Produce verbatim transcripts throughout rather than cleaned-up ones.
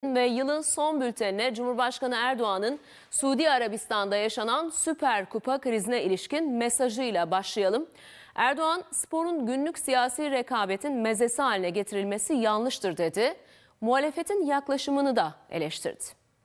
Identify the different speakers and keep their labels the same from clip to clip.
Speaker 1: Ve yılın son bültenine Cumhurbaşkanı Erdoğan'ın Suudi Arabistan'da yaşanan Süper Kupa krizine ilişkin mesajıyla başlayalım. Erdoğan, sporun günlük siyasi rekabetin mezesi haline getirilmesi yanlıştır dedi. Muhalefetin yaklaşımını da eleştirdi.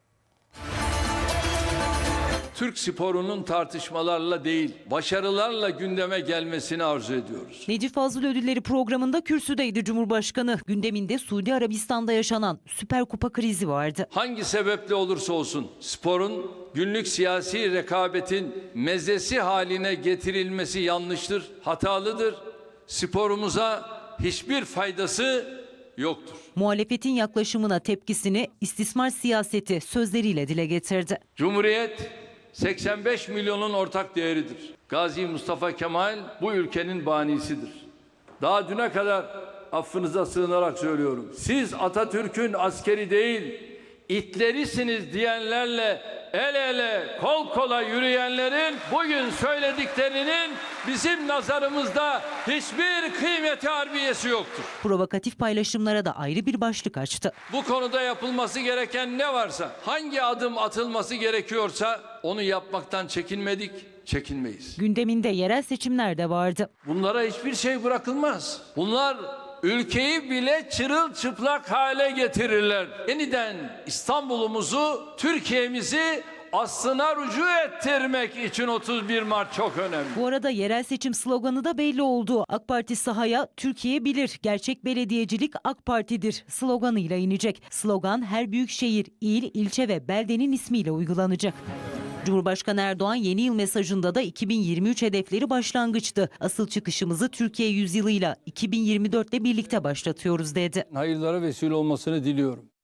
Speaker 2: Türk sporunun tartışmalarla değil, başarılarla gündeme gelmesini arzu ediyoruz.
Speaker 3: Necip Fazıl Ödülleri programında kürsüdeydi Cumhurbaşkanı. Gündeminde Suudi Arabistan'da yaşanan Süper Kupa krizi vardı.
Speaker 2: Hangi sebeple olursa olsun sporun günlük siyasi rekabetin mezesi haline getirilmesi yanlıştır, hatalıdır. Sporumuza hiçbir faydası yoktur.
Speaker 3: Muhalefetin yaklaşımına tepkisini istismar siyaseti sözleriyle dile getirdi.
Speaker 2: Cumhuriyet seksen beş milyonun ortak değeridir. Gazi Mustafa Kemal bu ülkenin banisidir. Daha düne kadar affınıza sığınarak söylüyorum. Siz Atatürk'ün askeri değil, itlerisiniz diyenlerle el ele, kol kola yürüyenlerin bugün söylediklerinin bizim nazarımızda hiçbir kıymeti harbiyesi yoktur.
Speaker 3: Provokatif paylaşımlara da ayrı bir başlık açtı.
Speaker 2: Bu konuda yapılması gereken ne varsa, hangi adım atılması gerekiyorsa onu yapmaktan çekinmedik, çekinmeyiz.
Speaker 3: Gündeminde yerel seçimler de vardı.
Speaker 2: Bunlara hiçbir şey bırakılmaz. Bunlar ülkeyi bile çırılçıplak hale getirirler. Yeniden İstanbul'umuzu, Türkiye'mizi aslına rücu ettirmek için otuz bir Mart çok önemli.
Speaker 3: Bu arada yerel seçim sloganı da belli oldu. AK Parti sahaya "Türkiye bilir, gerçek belediyecilik AK Parti'dir" sloganıyla inecek. Slogan her büyük şehir, il, ilçe ve beldenin ismiyle uygulanacak. Cumhurbaşkanı Erdoğan yeni yıl mesajında da iki bin yirmi üç hedefleri başlangıçtı. Asıl çıkışımızı Türkiye yüzyılıyla iki bin yirmi dörtle birlikte başlatıyoruz dedi.
Speaker 2: Hayırlara vesile olmasını diliyorum.